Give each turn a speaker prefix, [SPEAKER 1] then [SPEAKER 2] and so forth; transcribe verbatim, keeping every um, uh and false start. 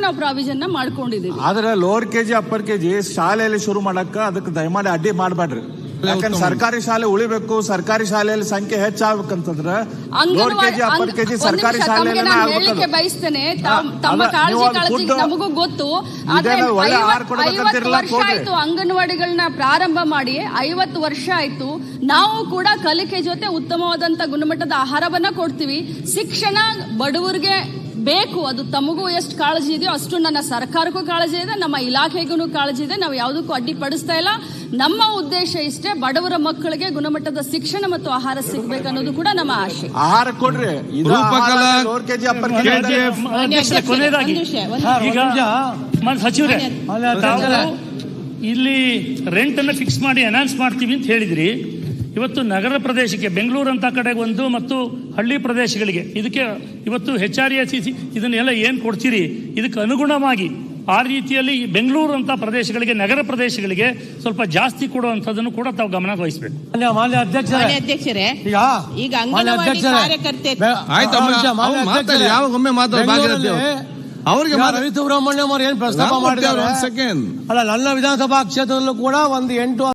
[SPEAKER 1] ನಾವು ಪ್ರಾವಿಷನ್ ಮಾಡ್ಕೊಂಡಿದೀವಿ.
[SPEAKER 2] ಆದ್ರೆ lower KG upper KG ಶಾಲೆಯಲ್ಲಿ ಶುರು ಮಾಡಕ್ಕ ಅದಕ್ಕೆ ದಯಮಾಡಿ ಅಡ್ಡಿ ಮಾಡ್ಬೇಡ್ರಿ. ಯಾಕಂದ್ರೆ ಸರ್ಕಾರಿ ಶಾಲೆ ಉಳಿಬೇಕು, ಸರ್ಕಾರಿ ಶಾಲೆಯಲ್ಲಿ ಸಂಖ್ಯೆ ಹೆಚ್ಚಾಗಬೇಕಂತಂದ್ರೆ ಲೋವರ್ ಕೆಜಿ ಅಪ್ಪರ್ ಕೆಜಿ ಸರ್ಕಾರಿ ಶಾಲೆಯಲ್ಲೇ
[SPEAKER 1] ಹೇಳಲಿಕ್ಕೆ ಬಯಸ್ತೇನೆ. ತಮ್ಮ ಕಾಳಜಿ ಕಾಳಜಿ ನಮಗೂ ಗೊತ್ತು. ಆದ್ರೆ ಐವತ್ತು ವರ್ಷ ಆಯ್ತು ಅಂಗನವಾಡಿಗಳನ್ನ ಪ್ರಾರಂಭ ಮಾಡಿ, ಐವತ್ತು ವರ್ಷ ಆಯ್ತು. ನಾವು ಕೂಡ ಕಲಿಕೆ ಜೊತೆ ಉತ್ತಮವಾದಂತ ಗುಣಮಟ್ಟದ ಆಹಾರವನ್ನ ಕೊಡ್ತೀವಿ. ಶಿಕ್ಷಣ ಬಡವರಿಗೆ ಬೇಕು. ಅದು ತಮಗೂ ಎಷ್ಟು ಕಾಳಜಿ ಇದೆಯೋ ಅಷ್ಟು ನನ್ನ ಸರ್ಕಾರಕ್ಕೂ ಕಾಳಜಿ ಇದೆ, ನಮ್ಮ ಇಲಾಖೆಗೂ ಕಾಳಜಿ ಇದೆ. ನಾವು ಯಾವುದಕ್ಕೂ ಅಡ್ಡಿಪಡಿಸ್ತಾ ಇಲ್ಲ. ನಮ್ಮ ಉದ್ದೇಶ ಇಷ್ಟೇ, ಬಡವರ ಮಕ್ಕಳಿಗೆ ಗುಣಮಟ್ಟದ ಶಿಕ್ಷಣ ಮತ್ತು ಆಹಾರ ಸಿಗ್ಬೇಕು ಅನ್ನೋದು ಕೂಡ ನಮ್ಮ ಆಶೆ.
[SPEAKER 2] ಆಹಾರ ಕೊಡ್ರಿ.
[SPEAKER 3] ಕೊನೆಯದಾಗಿ ಈಗ ಸಚಿವರೇ, ಇಲ್ಲಿ ರೆಂಟ್ ಅನ್ನ ಫಿಕ್ಸ್ ಮಾಡಿ ಅನೌನ್ಸ್ ಮಾಡ್ತೀವಿ ಅಂತ ಹೇಳಿದ್ರಿ. ಇವತ್ತು ನಗರ ಪ್ರದೇಶಕ್ಕೆ ಬೆಂಗಳೂರು ಅಂತ ಕಡೆಗೆ ಒಂದು ಮತ್ತು ಹಳ್ಳಿ ಪ್ರದೇಶಗಳಿಗೆ ಇದಕ್ಕೆ ಇವತ್ತು H R A C C ಇದನ್ನೆಲ್ಲ ಏನು ಕೊಡ್ತೀರಿ, ಇದಕ್ಕೆ ಅನುಗುಣವಾಗಿ ಆ ರೀತಿಯಲ್ಲಿ ಬೆಂಗಳೂರು ಅಂತ ಪ್ರದೇಶಗಳಿಗೆ, ನಗರ ಪ್ರದೇಶಗಳಿಗೆ ಸ್ವಲ್ಪ ಜಾಸ್ತಿ ಕೊಡುವಂಥದ್ದನ್ನು ಕೂಡ ತಾವು ಗಮನ ವಹಿಸಬೇಕು.
[SPEAKER 4] ಅಧ್ಯಕ್ಷರೇ, ಈಗ ಅಂಗನವಾಡಿ ಕಾರ್ಯಕರ್ತೆ
[SPEAKER 5] ಅವರಿಗೆ ರವಿ ಸುಬ್ರಹ್ಮಣ್ಯಂ ಅವರು ಏನ್ ಪ್ರಸ್ತಾಪ ಮಾಡಿದ್ದಾರೆ. ಅಲ್ಲ, ನನ್ನ ವಿಧಾನಸಭಾ ಕ್ಷೇತ್ರದಲ್ಲೂ ಕೂಡ ಒಂದು ಎಂಟು